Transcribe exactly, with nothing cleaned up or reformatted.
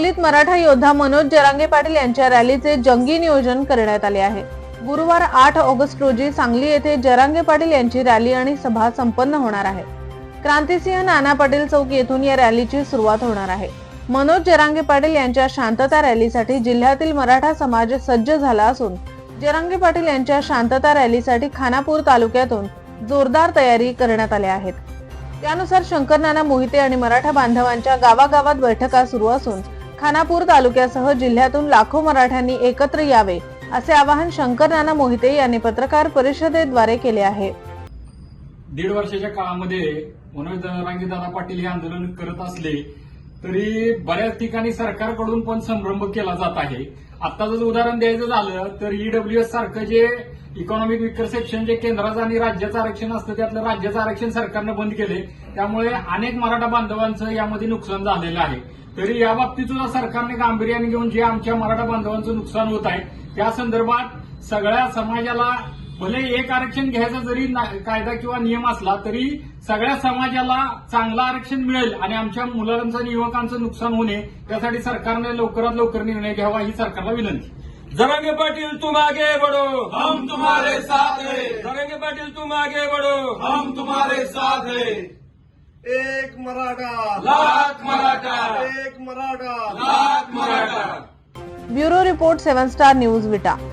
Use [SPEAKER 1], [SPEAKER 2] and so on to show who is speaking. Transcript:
[SPEAKER 1] सांगलीत मराठा योद्धा मनोज जरांगे पाटील यांच्या रॅलीचे जंगी नियोजन करण्यात आले आहे। गुरुवार आठ ऑगस्ट रोजी सांगली येथे जरांगे पाटील यांची रॅली आणि सभा संपन्न होणार आहे। क्रांतिसिंह नाना पाटील चौक येथून या रॅलीची सुरुवात होणार आहे। मनोज जरांगे पाटील यांच्या शांतता रॅलीसाठी जिल्ह्यातील मराठा समाज सज्ज झाला असून जरांगे पाटील यांच्या शांतता रॅलीसाठी खानापूर तालुक्यातून जोरदार तयारी करण्यात आल्या आहेत। त्यानुसार शंकर नाना मोहिते आणि मराठा बांधवांच्या गावागावात बैठका सुरू असून खानापूर तालुक्यासह जिल्ह्यातून लाखो मराठ्यांनी एकत्र यावे असे आवाहन शंकर नाना मोहिते यांनी पत्रकार परिषदेद्वारे केले आहे।
[SPEAKER 2] दीड वर्षाच्या काळामध्ये मनोज जरांगे दादा पाटील हे आंदोलन करत असले तरी बऱ्याच ठिकाणी सरकारकडून पण संभ्रम केला जात आहे। आता जर उदाहरण द्यायचं झालं तर ईडब्ल्यूएस सारखं जे इकॉनॉमिक विकर सेक्शन जे केंद्राचं आणि राज्याचं आरक्षण असतं त्यातलं राज्याचं आरक्षण सरकारनं बंद केले, त्यामुळे अनेक मराठा बांधवांचं यामध्ये नुकसान झालेलं आहे। तरी या बाबतीत सुद्धा सरकारने गांभीर्याने घेऊन जे आमच्या मराठा बांधवांचं नुकसान होत आहे त्या संदर्भात सगळ्या समाजाला भले एक आरक्षण घ्यायचा जरी कायदा किंवा नियम असला तरी सगळ्या समाजाला चांगलं आरक्षण मिळेल आणि आमच्या मुलांचं आणि युवकांचं नुकसान होणे त्यासाठी सरकारने लवकरात लवकर निर्णय घ्यावा ही सरकारला विनंती।
[SPEAKER 3] जरांगे पाटील तुम आगे बढ़ो,
[SPEAKER 4] हम तुम्हारे साथ हैं।
[SPEAKER 3] जरांगे पाटील तुम आगे बढ़ो,
[SPEAKER 4] हम तुम्हारे साथ हैं।
[SPEAKER 5] एक मराठा
[SPEAKER 4] लाख मराठा,
[SPEAKER 5] एक Maratha
[SPEAKER 4] lakh Maratha.
[SPEAKER 1] Bureau report seven star news विटा।